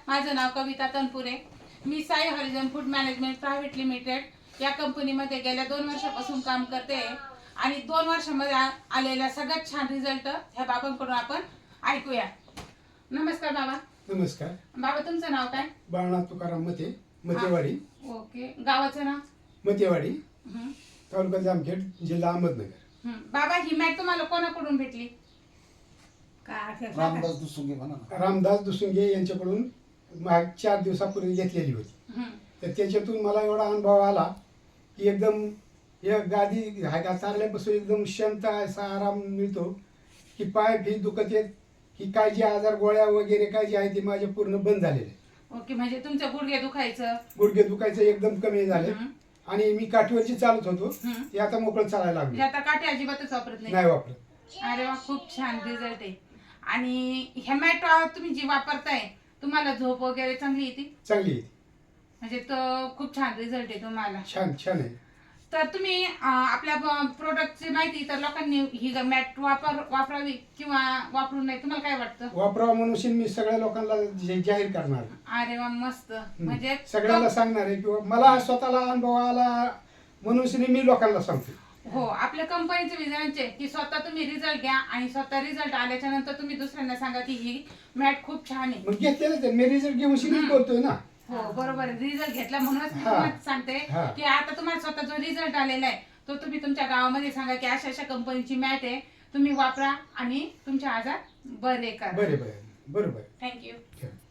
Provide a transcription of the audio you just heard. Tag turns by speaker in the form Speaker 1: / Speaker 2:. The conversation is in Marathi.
Speaker 1: माझं नाव कविता तनपुरे. मी Sai Harijan food management private limited या कंपनीमध्ये गेल्या 2 वर्षापासून काम करते आणि 2 वर्षांमध्ये आलेला सगळ्यात छान रिझल्ट ह्या बाबांकडून आपण ऐकूया. नमस्कार बाबा.
Speaker 2: नमस्कार.
Speaker 1: बाबा तुमचं नाव काय?
Speaker 2: बाळनाथ तुकाराम मते, मतेवाडी.
Speaker 1: ओके. गावाचं नाव?
Speaker 2: मतेवाडी, तालुका जामखेड, जिल्हा अहमदनगर.
Speaker 1: बाबा ही मॅट तुम्हाला कोणाकडून भेटली?
Speaker 3: रामदास दुसुंगे म्हणा ना.
Speaker 2: रामदास दुसुंगे यांच्याकडून 4 दिवसापूर्वी घेतलेली होती. तर त्याच्यातून मला एवढा अनुभव आला की एकदम या गादी हायका चालल्यापासून एकदम शांत असा आराम मिळतो की पाय फी दुखत येत ही काय जे आजार गोळ्या वगैरे काय जे आहे ते माझे पूर्ण बंद झालेले.
Speaker 1: ओके. म्हणजे तुमचं गुडघे
Speaker 2: दुखायचं एकदम कमी झाले आणि मी काठीवरची चालत होतो ते आता मोकळं चालायला लागले.
Speaker 1: आता काठी अजिबातच वापरत
Speaker 2: नाही वापरत.
Speaker 1: अरे वा, खूप छान रिझल्ट आहे. आणि ह्या मॅट तुम्ही जी वापरताय तुम्हाला झोप वगैरे चांगली येते?
Speaker 2: चांगली आहे.
Speaker 1: म्हणजे तो खूप छान रिझल्ट आहे तुम्हाला.
Speaker 2: छान छान आहे.
Speaker 1: तर तुम्ही आपल्या प्रोडक्टची माहिती तर लोकांनी ही मॅट वापरावी किंवा वापरू नये तुम्हाला काय वाटतं?
Speaker 2: वापरावं म्हणून मी सगळ्या लोकांना जाहीर करणार.
Speaker 1: अरे वा, मस्त. म्हणजे
Speaker 2: सगळ्यांना सांगणार आहे किंवा मला स्वतःला अनुभव आला म्हणून मी लोकांना सांगतो.
Speaker 1: हो, आपल्या कंपनीचे विजनांचे की स्वतः तुम्ही रिझल्ट घ्या आणि स्वतः रिझल्ट आल्याच्या नंतर तुम्ही दुसऱ्यांना सांगा की ही मॅट खूप छान आहे.
Speaker 2: मग घेतलेलं ते मी रिझल्ट घेऊन शिकत बोलतोय ना.
Speaker 1: हो बरोबर. रिझल्ट घेतला म्हणूनच मी तुम्हाला सांगते की आता तुम्हाला स्वतः जो रिझल्ट आलेला आहे तो तुम्ही तुमच्या गावामध्ये सांगा की अशा अशा कंपनीची मॅट आहे, तुम्ही वापरा आणि तुमचे आजार बरे करा.
Speaker 2: बरोबर.
Speaker 1: थँक्यू.